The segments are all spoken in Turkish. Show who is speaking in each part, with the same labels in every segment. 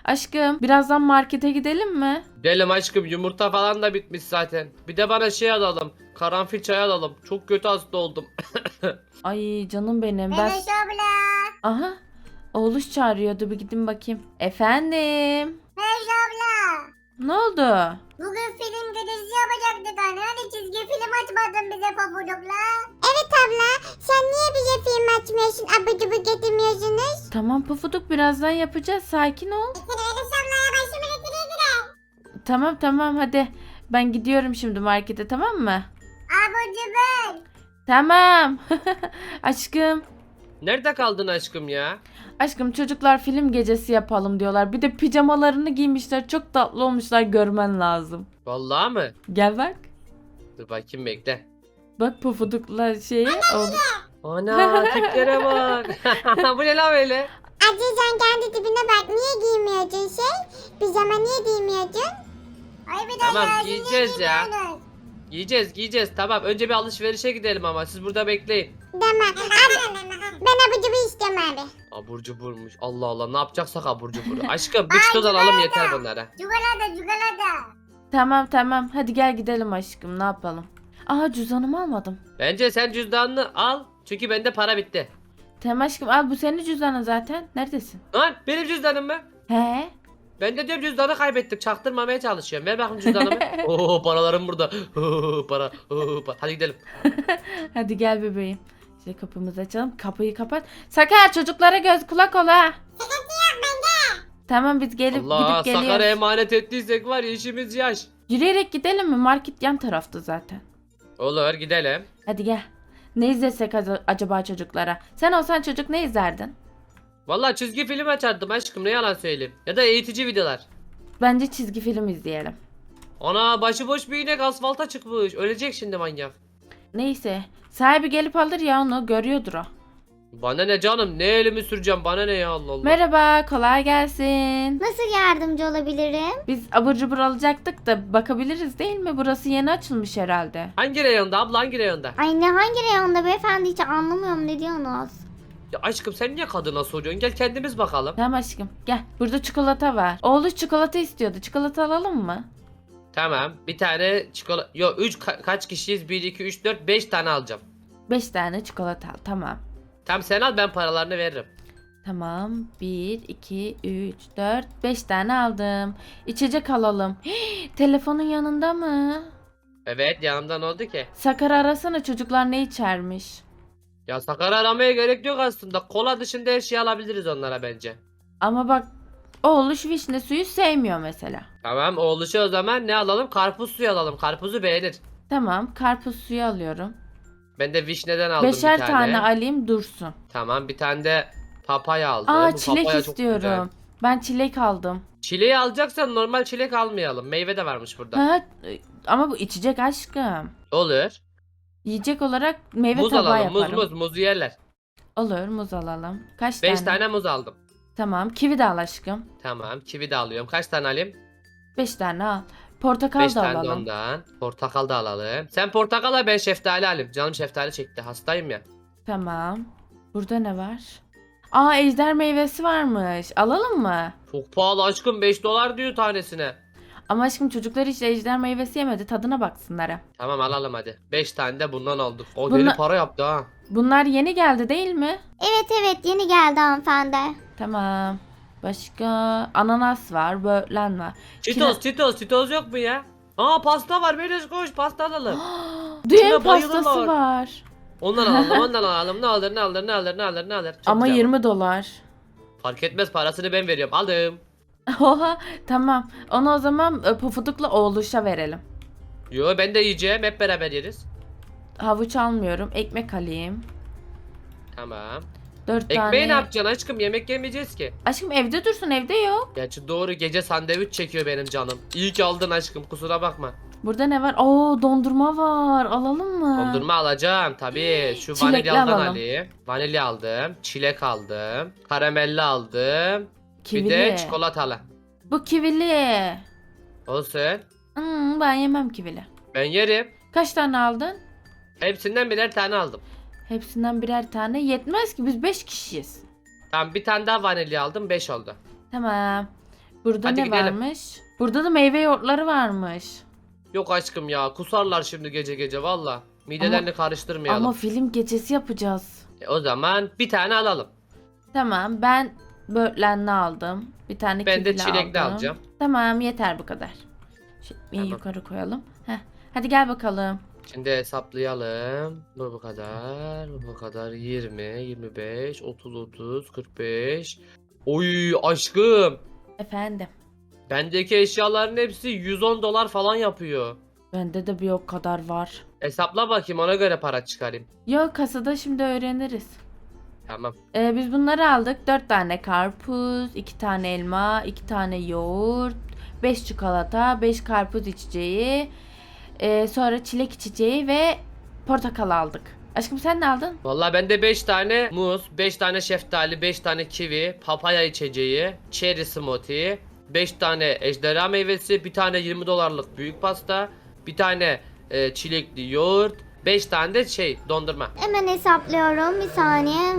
Speaker 1: Aşkım birazdan markete gidelim mi?
Speaker 2: Gidelim aşkım, yumurta falan da bitmiş zaten. Bir de bana şey alalım. Karanfil çay alalım. Çok kötü hasta oldum.
Speaker 1: Ay canım benim. Ben...
Speaker 3: Meloş abla.
Speaker 1: Aha. Oğluş çağırıyordu, bir gidin bakayım. Efendim.
Speaker 3: Meloş abla.
Speaker 1: Ne oldu?
Speaker 3: Bugün film gecesi yapacaktık anne. Hani çizgi film açmadın bize Pabuduk'la. Evet abla. Sen niye bize film açmıyorsun? Abı cubu getirmiyorsunuz.
Speaker 1: Tamam Pufuduk, birazdan yapacağız. Sakin ol.
Speaker 3: Meloş ablaya başımı getireyim.
Speaker 1: Tamam hadi. Ben gidiyorum şimdi markete, tamam mı?
Speaker 3: Abı cubu.
Speaker 1: Tamam. Aşkım.
Speaker 2: Nerede kaldın aşkım ya?
Speaker 1: Aşkım çocuklar film gecesi yapalım diyorlar. Bir de pijamalarını giymişler. Çok tatlı olmuşlar, görmen lazım.
Speaker 2: Vallahi mı?
Speaker 1: Gel bak.
Speaker 2: Dur bakayım, bekle.
Speaker 1: Bak Pufuduk'la şeyi.
Speaker 2: Ana tiplere bak. Bu ne lan böyle?
Speaker 3: Acı sen kendi tipine bak. Niye giymiyordun şey? Pijama niye giymiyordun? Ay bir de
Speaker 2: Tamam,
Speaker 3: ya,
Speaker 2: giyeceğiz
Speaker 3: niye
Speaker 2: ya.
Speaker 3: giymiyorsunuz?
Speaker 2: Giyeceğiz. Tamam, önce bir alışverişe gidelim ama siz burada bekleyin.
Speaker 3: Tamam. Abi, ben abı cubu istiyorum abi.
Speaker 2: Abur cuburmuş. Allah Allah, ne yapacaksak abur cubur. Aşkım bir çitoz alalım yeter bunlara.
Speaker 3: Cugalada.
Speaker 1: Tamam. Hadi gel gidelim aşkım. Ne yapalım? Aha, cüzdanımı almadım.
Speaker 2: Bence sen cüzdanını al. Çünkü bende para bitti.
Speaker 1: Tamam aşkım, al, bu senin cüzdanın zaten. Neredesin?
Speaker 2: Lan benim cüzdanım mı?
Speaker 1: He?
Speaker 2: Ben de diyorum cüzdanı kaybettim. Çaktırmamaya çalışıyorum. Ver bakayım cüzdanımı. Oo, paralarım burada. Para. Hadi gidelim.
Speaker 1: Hadi gel bebeğim. İşte kapımızı açalım. Kapıyı kapat. Sakar, çocuklara göz kulak ol ha. Tamam, biz
Speaker 2: Allah,
Speaker 1: gidip
Speaker 2: Sakar'a
Speaker 1: geliyoruz.
Speaker 2: emanet ettiysek var ya, işimiz yaş.
Speaker 1: Yürüyerek gidelim mi? Market yan tarafta zaten.
Speaker 2: Olur, gidelim.
Speaker 1: Hadi gel. Ne izlesek acaba çocuklara? Sen olsan çocuk ne izlerdin?
Speaker 2: Vallahi çizgi film açardım aşkım, ne yalan söyleyeyim. Ya da eğitici videolar.
Speaker 1: Bence çizgi film izleyelim.
Speaker 2: Ana, başıboş bir inek asfalta çıkmış. Ölecek şimdi manyak.
Speaker 1: Neyse. Sahibi gelip alır ya, onu görüyordur o.
Speaker 2: Bana ne canım, ne elimi süreceğim, bana ne ya, Allah Allah.
Speaker 1: Merhaba, kolay gelsin.
Speaker 3: Nasıl yardımcı olabilirim?
Speaker 1: Biz abur cubur alacaktık da bakabiliriz değil mi? Burası yeni açılmış herhalde.
Speaker 2: Hangi reyonda abla, hangi reyonda?
Speaker 3: Ay ne hangi reyonda beyefendi, hiç anlamıyorum ne diyorsunuz?
Speaker 2: Ya aşkım, sen niye kadına soruyorsun? Gel kendimiz bakalım.
Speaker 1: Tamam aşkım, gel. Burada çikolata var. Oğluş çikolata istiyordu. Çikolata alalım mı?
Speaker 2: Tamam, bir tane çikolata. Yo, 3 kaç kişiyiz? 1 2 3 4 5 tane alacağım.
Speaker 1: 5 tane çikolata al. Tamam.
Speaker 2: Tamam, sen al, ben paralarını veririm.
Speaker 1: Tamam. 1, 2, 3, 4, 5 tane aldım. İçecek alalım. Telefonun yanında mı?
Speaker 2: Evet, yanımda ne oldu ki?
Speaker 1: Sakar arasana, çocuklar ne içermiş?
Speaker 2: Ya Sakar'ı aramaya gerek yok aslında. Kola dışında her şeyi alabiliriz onlara bence.
Speaker 1: Ama bak, oğluş vişne suyu sevmiyor mesela.
Speaker 2: Tamam, oğluşa o zaman ne alalım? Karpuz suyu alalım. Karpuzu beğenir.
Speaker 1: Tamam, karpuz suyu alıyorum.
Speaker 2: Ben de vişneden aldım bir
Speaker 1: Beşer
Speaker 2: tane.
Speaker 1: tane alayım, dursun.
Speaker 2: Tamam, bir tane de papaya aldım.
Speaker 1: Aa,
Speaker 2: Bu
Speaker 1: çilek
Speaker 2: papaya çok güzel.
Speaker 1: istiyorum. Ben çilek aldım.
Speaker 2: Çileği alacaksan normal çilek almayalım. Meyve de varmış burada.
Speaker 1: Ha, ama bu içecek aşkım.
Speaker 2: Olur.
Speaker 1: Yiyecek olarak meyve
Speaker 2: Muz
Speaker 1: tabağı
Speaker 2: alalım.
Speaker 1: yaparım.
Speaker 2: Muzu yerler.
Speaker 1: Olur, muz alalım. Kaç
Speaker 2: 5
Speaker 1: tane?
Speaker 2: tane muz aldım.
Speaker 1: Tamam, kivi de al aşkım.
Speaker 2: Tamam, kivi de alıyorum. Kaç tane alayım?
Speaker 1: 5 tane al. Portakal
Speaker 2: 5
Speaker 1: da
Speaker 2: tane de
Speaker 1: alalım.
Speaker 2: ondan. Portakal da alalım. Sen portakal al, ben şeftali alayım. Canım şeftali çekti. Hastayım ya.
Speaker 1: Tamam. Burada ne var? Aa, ejder meyvesi varmış. Alalım mı?
Speaker 2: Çok pahalı aşkım. 5 dolar diyor tanesine.
Speaker 1: Ama aşkım çocuklar hiç ejder meyvesi yemedi. Tadına baksınlar ha.
Speaker 2: Tamam, alalım hadi. 5 tane de bundan aldık. O
Speaker 1: Bunla-
Speaker 2: deli para yaptı ha.
Speaker 1: Bunlar yeni geldi değil mi?
Speaker 3: Evet yeni geldi hanımefendi.
Speaker 1: Tamam. Başka ananas var, böğlen var.
Speaker 2: Çitoz yok mu ya? Aa, pasta var. Melis koş, pasta alalım.
Speaker 1: Düğün
Speaker 2: Şuna
Speaker 1: pastası
Speaker 2: bayılırlar.
Speaker 1: var.
Speaker 2: Ondan alalım. Ne alır. Çok
Speaker 1: Ama
Speaker 2: güzel.
Speaker 1: 20 dolar.
Speaker 2: Fark etmez, parasını ben veriyorum. Aldım.
Speaker 1: Oha, tamam. Onu o zaman Pufuduk'la oğluşa verelim.
Speaker 2: Yo, ben de yiyeceğim. Hep beraber yeriz.
Speaker 1: Havuç almıyorum. Ekmek alayım.
Speaker 2: Tamam.
Speaker 1: 4
Speaker 2: Ekmeği
Speaker 1: tane.
Speaker 2: ne yapacaksın aşkım? Yemek yemeyeceğiz ki.
Speaker 1: Aşkım evde dursun, evde yok.
Speaker 2: Gerçi doğru, gece sandviç çekiyor benim canım. İyi ki aldın aşkım, kusura bakma.
Speaker 1: Burada ne var? Oo, dondurma var. Alalım mı?
Speaker 2: Dondurma alacağım tabii. Şu
Speaker 1: Çilekli
Speaker 2: vanilyadan
Speaker 1: alalım.
Speaker 2: alayım. Vanilya aldım. Çilek aldım. Karamelli aldım.
Speaker 1: Kivili.
Speaker 2: Bir de çikolatalı.
Speaker 1: Bu kivili.
Speaker 2: Olsun.
Speaker 1: Ben yemem kivili.
Speaker 2: Ben yerim.
Speaker 1: Kaç tane aldın?
Speaker 2: Hepsinden birer tane aldım.
Speaker 1: Hepsinden birer tane. Yetmez ki, biz 5 kişiyiz.
Speaker 2: Tamam, bir tane daha vanilya aldım. 5 oldu.
Speaker 1: Tamam. Burada
Speaker 2: Hadi
Speaker 1: ne
Speaker 2: gidelim.
Speaker 1: varmış? Burada da meyve yoğurtları varmış.
Speaker 2: Yok aşkım ya, kusarlar şimdi gece gece valla. Midelerini karıştırmayalım.
Speaker 1: Ama film gecesi yapacağız.
Speaker 2: O zaman bir tane alalım.
Speaker 1: Tamam, ben böğürtlenli aldım. Bir tane
Speaker 2: Ben de
Speaker 1: kivili
Speaker 2: çilekli
Speaker 1: aldım.
Speaker 2: alacağım.
Speaker 1: Tamam, yeter bu kadar. Şimdi
Speaker 2: Tamam.
Speaker 1: yukarı koyalım. Heh. Hadi gel bakalım.
Speaker 2: Şimdi hesaplayalım. Bu kadar, bu kadar. 20, 25, 30, 45. Oy aşkım.
Speaker 1: Efendim.
Speaker 2: Bendeki eşyaların hepsi 110 dolar falan yapıyor.
Speaker 1: Bende de bir o kadar var.
Speaker 2: Hesapla bakayım, ona göre para çıkarayım.
Speaker 1: Yok, kasada şimdi öğreniriz.
Speaker 2: Tamam.
Speaker 1: Biz bunları aldık. 4 tane karpuz, 2 tane elma, 2 tane yoğurt, 5 çikolata, 5 karpuz içeceği, sonra çilek içeceği ve portakal aldık. Aşkım sen ne aldın?
Speaker 2: Vallahi bende 5 tane muz, 5 tane şeftali, 5 tane kivi, papaya içeceği, cherry smoothie, 5 tane ejderha meyvesi, bir tane 20 dolarlık büyük pasta, bir tane çilekli yoğurt, 5 tane de dondurma.
Speaker 3: Hemen hesaplıyorum bir saniye.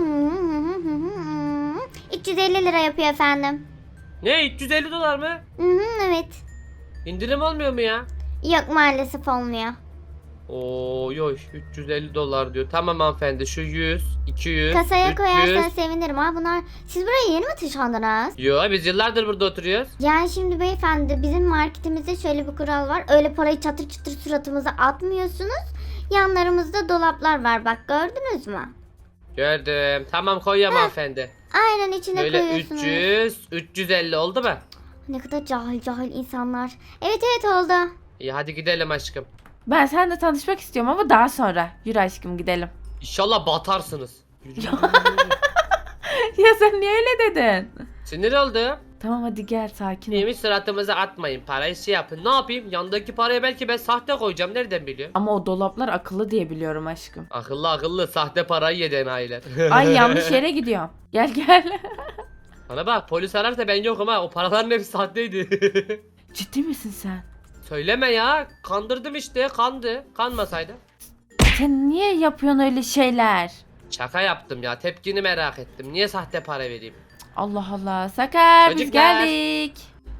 Speaker 3: 350 lira yapıyor efendim.
Speaker 2: Ne, 350 dolar mı?
Speaker 3: Evet.
Speaker 2: İndirim olmuyor mu ya?
Speaker 3: Yok maalesef olmuyor.
Speaker 2: Oo yoy, 350 dolar diyor. Tamam hanımefendi, şu 100, 200,
Speaker 3: Kasaya
Speaker 2: 300.
Speaker 3: koyarsanız sevinirim. Bunlar siz buraya yeni mi taşındınız?
Speaker 2: Yo, biz yıllardır burada oturuyoruz.
Speaker 3: Yani şimdi beyefendi bizim marketimizde şöyle bir kural var. Öyle parayı çatır çatır suratımıza atmıyorsunuz. Yanlarımızda dolaplar var, bak gördünüz mü?
Speaker 2: Gördüm. Tamam koyuyorum hanımefendi.
Speaker 3: Aynen içine
Speaker 2: Böyle
Speaker 3: koyuyorsunuz.
Speaker 2: 300, 350 oldu mu?
Speaker 3: Ne kadar cahil cahil insanlar. Evet evet oldu.
Speaker 2: İyi hadi gidelim aşkım.
Speaker 1: Ben seninle tanışmak istiyorum ama daha sonra. Yürü aşkım gidelim.
Speaker 2: İnşallah batarsınız. Yürü, yürü, yürü, yürü.
Speaker 1: Ya sen niye öyle dedin?
Speaker 2: Sinir oldu.
Speaker 1: Tamam hadi gel, sakin ol.
Speaker 2: Neymiş, suratımıza atmayın, parayı yapın. Ne yapayım? Yandaki parayı belki ben sahte koyacağım. Nereden biliyorum?
Speaker 1: Ama o dolaplar akıllı diye biliyorum aşkım.
Speaker 2: Akıllı akıllı sahte parayı yedi aileler.
Speaker 1: Ay yanlış yere gidiyorum. Gel gel.
Speaker 2: Bana bak, polis ararsa ben yokum ha. O paraların hepsi sahteydi.
Speaker 1: Ciddi misin sen?
Speaker 2: Söyleme ya. Kandırdım işte. Kandı. Kanmasaydı.
Speaker 1: Sen niye yapıyorsun öyle şeyler?
Speaker 2: Şaka yaptım ya. Tepkini merak ettim. Niye sahte para vereyim?
Speaker 1: Allah Allah. Sakar biz
Speaker 2: Çocuklar.
Speaker 1: geldik.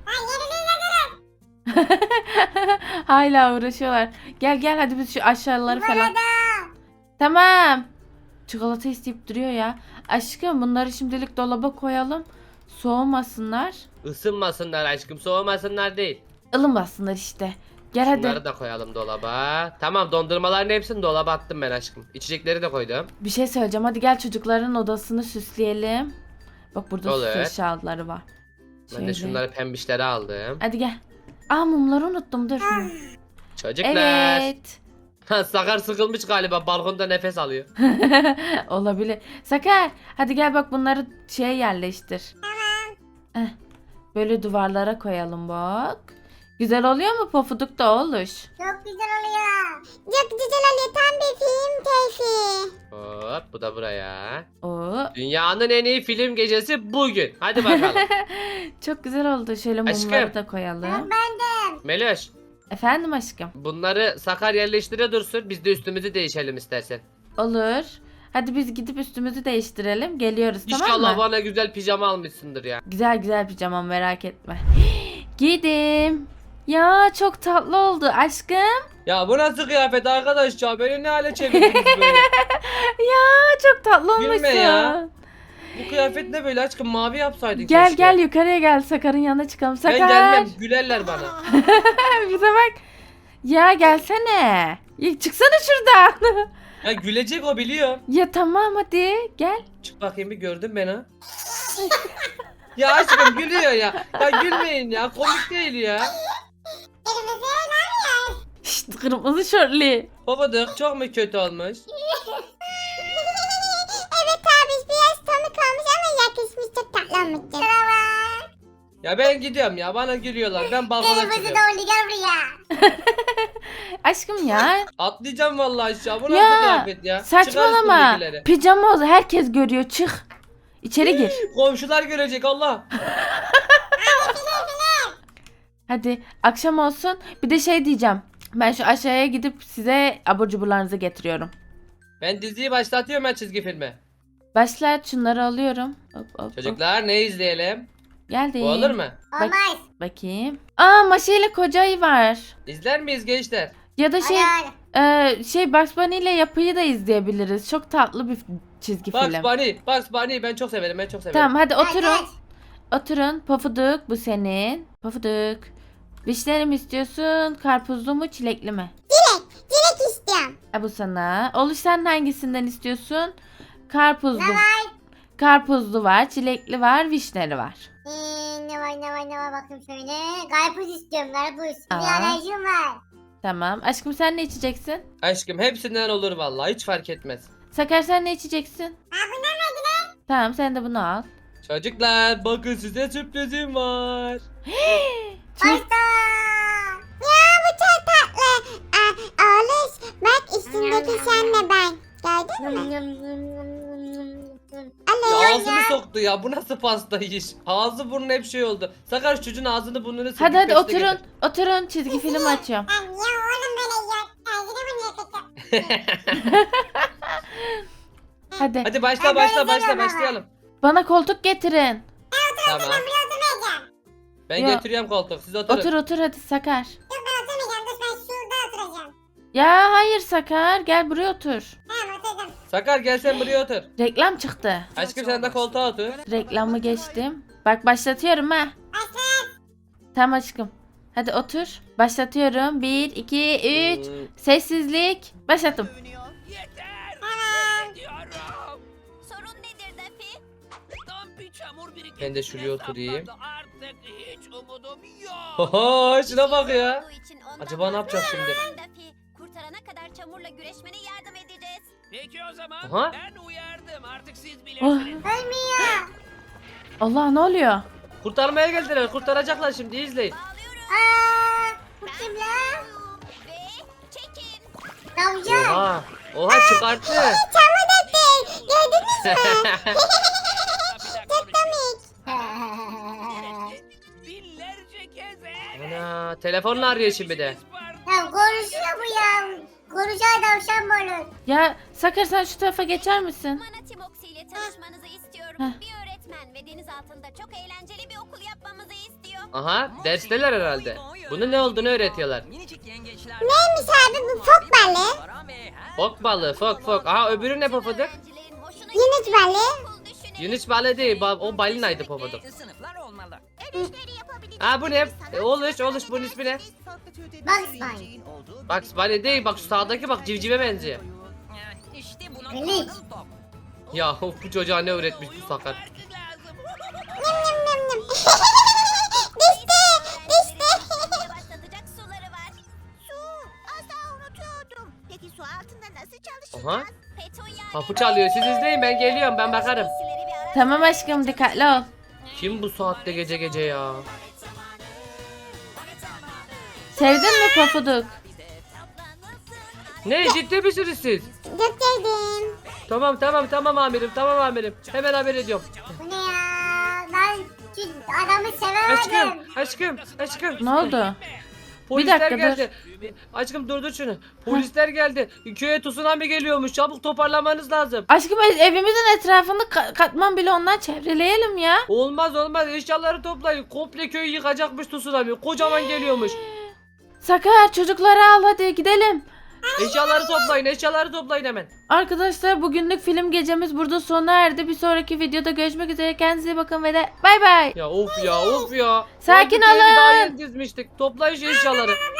Speaker 1: Hala uğraşıyorlar. Gel gel hadi biz şu aşağıları falan. Tamam. Çikolata isteyip duruyor ya. Aşkım bunları şimdilik dolaba koyalım. Soğumasınlar.
Speaker 2: Isınmasınlar aşkım. Soğumasınlar değil.
Speaker 1: Ilınmasınlar işte. Gel hadi.
Speaker 2: Bunları da koyalım dolaba. Tamam, dondurmaların hepsini dolaba attım ben aşkım. İçecekleri de koydum.
Speaker 1: Bir şey söyleyeceğim. Hadi gel çocukların odasını süsleyelim. Bak burada
Speaker 2: Olur.
Speaker 1: süs eşyaları var.
Speaker 2: Ben de
Speaker 1: Şöyle.
Speaker 2: şunları pembişleri aldım.
Speaker 1: Hadi gel. Aa mumları unuttum dur.
Speaker 2: Çocuklar.
Speaker 1: Evet.
Speaker 2: Sakar sıkılmış galiba, balkonda nefes alıyor.
Speaker 1: Olabilir. Sakar hadi gel bak bunları şeye yerleştir. Tamam. Böyle duvarlara koyalım bak. Güzel oluyor mu? Pofuduk da oluş.
Speaker 3: Çok güzel oluyor. Çok güzel oluyor. Tam bir film keyfi.
Speaker 2: Hop, bu da buraya.
Speaker 1: Oo.
Speaker 2: Dünyanın en iyi film gecesi bugün. Hadi bakalım.
Speaker 1: Çok güzel oldu. Şöyle mumları
Speaker 2: Aşkım.
Speaker 1: da koyalım.
Speaker 2: Meloş,
Speaker 1: Efendim aşkım.
Speaker 2: bunları Sakar yerleştire dursun. Biz de üstümüzü değişelim istersen.
Speaker 1: Olur. Hadi biz gidip üstümüzü değiştirelim. Geliyoruz tamam
Speaker 2: İnşallah
Speaker 1: mı?
Speaker 2: bana güzel pijama almışsındır ya.
Speaker 1: Güzel güzel pijamam merak etme. Giydim. Ya çok tatlı oldu aşkım.
Speaker 2: Ya bu nasıl kıyafet arkadaş ya? Beni ne hale çevirdiniz böyle?
Speaker 1: Ya çok tatlı olmuşsun.
Speaker 2: Gülme ya. Bu kıyafet ne böyle aşkım? Mavi yapsaydın
Speaker 1: Gel
Speaker 2: keşke.
Speaker 1: gel yukarıya gel. Sakar'ın yanına çıkalım. Sakar.
Speaker 2: Ben gelmem. Gülerler bana.
Speaker 1: Bize bak. Ya gelsene. Ya çıksana şuradan.
Speaker 2: Ya gülecek o, biliyor.
Speaker 1: Ya tamam hadi gel.
Speaker 2: Çık bakayım, bir gördün beni ha. Ya aşkım gülüyor ya. Ya gülmeyin ya. Komik değil ya.
Speaker 1: Şşt kırmızı şortlu.
Speaker 2: Babadık çok mu kötü olmuş?
Speaker 3: Evet abi biraz komik olmuş ama yakışmış, çok tatlı olmuş.
Speaker 2: Ya ben gidiyorum ya. Bana gülüyorlar. Ben balkona
Speaker 3: Kırmızı
Speaker 2: çıkıyorum.
Speaker 3: doldu, gel buraya.
Speaker 1: Aşkım ya.
Speaker 2: Atlayacağım vallahi aşağı. Bu nasıl
Speaker 1: Ya
Speaker 2: kıyafet ya?
Speaker 1: saçmalama.
Speaker 2: Çıkar üstündekileri.
Speaker 1: Pijama oldu. Herkes görüyor. Çık. İçeri gir.
Speaker 2: Komşular görecek Allah.
Speaker 1: Hadi akşam olsun. Bir de şey diyeceğim. Ben şu aşağıya gidip size abur cuburlarınızı getiriyorum.
Speaker 2: Ben diziyi başlatıyorum, ben çizgi filmi.
Speaker 1: Başlat şunları alıyorum. Hop, hop, hop.
Speaker 2: Çocuklar ne izleyelim?
Speaker 1: Geldim.
Speaker 2: Bu olur mu?
Speaker 3: Olmaz.
Speaker 1: Bakayım. Aa, Maşa ile Koca Ayı var.
Speaker 2: İzler miyiz gençler?
Speaker 1: Ya da
Speaker 3: Hadi.
Speaker 1: Bugs Bunny ile Yapıyı da izleyebiliriz. Çok tatlı bir çizgi film.
Speaker 2: Bugs Bunny ben çok severim, ben çok severim.
Speaker 1: Tamam, hadi oturun.
Speaker 3: Hadi.
Speaker 1: Oturun. Pofuduk, bu senin. Pofuduk. Vişneli mi istiyorsun? Karpuzlu mu, çilekli mi?
Speaker 3: Dilek istiyorum.
Speaker 1: Bu sana. Oluş, sen hangisinden istiyorsun? Karpuzlu.
Speaker 3: Ne var?
Speaker 1: Karpuzlu var, çilekli var, vişneli var.
Speaker 3: Ne var bakayım şöyle. Karpuz istiyorum karpuz. Bir
Speaker 1: Aa.
Speaker 3: alerjim var.
Speaker 1: Tamam. Aşkım, sen ne içeceksin?
Speaker 2: Aşkım hepsinden olur vallahi, hiç fark etmez.
Speaker 1: Sakar, sen ne içeceksin?
Speaker 3: Bundan verdiler.
Speaker 1: Tamam, sen de bunu al.
Speaker 2: Çocuklar bakın, size sürprizim var.
Speaker 3: Başla. Ya bu çok tatlı. Oğlum bak üstündeki senle ben. Gördün mü?
Speaker 2: Ya ağzını soktu ya, bu nasıl pasta iş? Ağzı burnu hep şey oldu. Sakar şu çocuğun ağzını burnunu sıkıp
Speaker 1: Hadi
Speaker 2: peşine
Speaker 1: oturun.
Speaker 2: getir.
Speaker 1: Oturun, çizgi film açıyorum.
Speaker 3: Ya oğlum böyle yok. Ağzını bunu yakacağım.
Speaker 1: Hadi.
Speaker 2: Hadi
Speaker 3: Ben böyle seviyorum ama.
Speaker 2: başlayalım.
Speaker 1: Bana koltuk getirin.
Speaker 2: Tamam.
Speaker 3: Ben oturmayacağım.
Speaker 2: Ben
Speaker 1: Ya.
Speaker 2: getiriyorum koltuk, siz oturun.
Speaker 1: Otur hadi Sakar.
Speaker 3: Dur ben oturmayacağım. Dur ben şurada oturacağım.
Speaker 1: Ya hayır Sakar, gel buraya otur.
Speaker 3: Tamam oturdum.
Speaker 2: Sakar gel sen buraya otur.
Speaker 1: Reklam çıktı.
Speaker 2: Aşkım sen de koltuğa otur.
Speaker 1: Reklamı geçtim. Bak, başlatıyorum ha.
Speaker 3: Başla.
Speaker 1: Tamam aşkım. Hadi otur. Başlatıyorum. 1, 2, 3.
Speaker 2: Hmm.
Speaker 1: Sessizlik. Başlattım.
Speaker 3: Tamam.
Speaker 4: Diyorum.
Speaker 5: Sorun nedir Daffy?
Speaker 4: Tam bir çamur birikintisi
Speaker 2: Ben de şuraya oturayım.
Speaker 4: sapladı. Artık hiç umudum yok.
Speaker 2: Oho şuna bak ya.
Speaker 5: Olduğu için ondan
Speaker 2: Acaba ne yapacağız şimdi?
Speaker 5: vazgeçmeyin Daffy. Kurtarana kadar çamurla güreşmene yardım edeceğiz.
Speaker 4: Peki o zaman
Speaker 2: Aha.
Speaker 4: ben uyardım. Artık siz
Speaker 1: Oh.
Speaker 4: bilirsiniz.
Speaker 3: Ölmüyor.
Speaker 1: Allah, ne oluyor?
Speaker 2: Kurtarmaya geldiler, kurtaracaklar şimdi, izleyin.
Speaker 5: Bağlıyorum.
Speaker 3: Bu kim lan?
Speaker 5: Ve çekin.
Speaker 3: Tavşan.
Speaker 2: Oha çıkarttı.
Speaker 3: Çamur döktü. Gördünüz mü?
Speaker 4: Çok
Speaker 3: Komik.
Speaker 4: Binlerce kez
Speaker 2: Ana telefonla arıyor şimdi de.
Speaker 3: Ya konuşuyor bu ya. Konuşan tavşan mı olur?
Speaker 1: Ya Sakar, sen şu tarafa geçer misin?
Speaker 5: Mana Timoxi ile tanışmanızı istiyorum.
Speaker 1: Heh.
Speaker 5: Bir öğretmen ve deniz altında çok eğlenceli bir okul yapmamızı istiyor.
Speaker 2: Aha dersteler herhalde. Bunun ne olduğunu öğretiyorlar.
Speaker 3: Neymiş abi bu fok balığı?
Speaker 2: Fok balığı, fok. Aha öbürü ne pofuduk?
Speaker 5: Öğrencilerin hoşuna
Speaker 3: Yunus balığı.
Speaker 5: okul düşünün.
Speaker 2: Yunus balığı değil, o balinaydı pofuduk.
Speaker 4: Sınıflar olmalı.
Speaker 5: Dönüşleri yapabileceğiniz
Speaker 2: Ha bu ne?
Speaker 5: insanlar-
Speaker 2: Oluş bunun ismi ne?
Speaker 3: Bugs Bunny.
Speaker 2: Bugs Bunny değil, bak şu sağdaki bak civcive benziyor.
Speaker 4: İşte buna
Speaker 3: Melih.
Speaker 4: top.
Speaker 2: Ya of, bu çocuğa ne öğretmiş bu Sakar.
Speaker 3: Nım nım nım.
Speaker 5: Öğrencilerin başlatacak suları var. Su. Asla unutuyordum. Peki su altında nasıl çalışacağız?
Speaker 2: Aha.
Speaker 5: Petunia.
Speaker 2: Kapı çalıyor, siz izleyin, ben geliyorum, ben bakarım.
Speaker 5: Giysileri bir ara-
Speaker 1: Tamam aşkım, dikkatli ol.
Speaker 2: Kim bu saatte gece gece ya?
Speaker 1: Sevdin mi Pofuduk?
Speaker 2: Ne, ciddi misiniz siz?
Speaker 3: Döktürdüm.
Speaker 2: Tamam amirim. Hemen haber ediyorum.
Speaker 3: Bu ne ya? Ben şu adamı sevemedim.
Speaker 2: Aşkım.
Speaker 1: Ne oldu?
Speaker 2: Polisler
Speaker 1: dakika,
Speaker 2: geldi. Aşkım durdur şunu. Polisler geldi. Köye tsunami geliyormuş. Çabuk toparlamanız lazım.
Speaker 1: Aşkım, evimizin etrafını katman bile ondan çevreleyelim ya.
Speaker 2: Olmaz. Eşyaları toplayın. Komple köyü yıkacakmış tsunami. Kocaman geliyormuş.
Speaker 1: Sakar, çocukları al, hadi gidelim.
Speaker 2: Eşyaları toplayın hemen.
Speaker 1: Arkadaşlar, bugünlük film gecemiz burada sona erdi. Bir sonraki videoda görüşmek üzere. Kendinize iyi bakın ve de bay bay.
Speaker 2: Ya of ya.
Speaker 1: Sakin
Speaker 2: Ulan bir köye
Speaker 1: olun.
Speaker 2: Daha yeni dizmiştik. Toplayın şu eşyaları.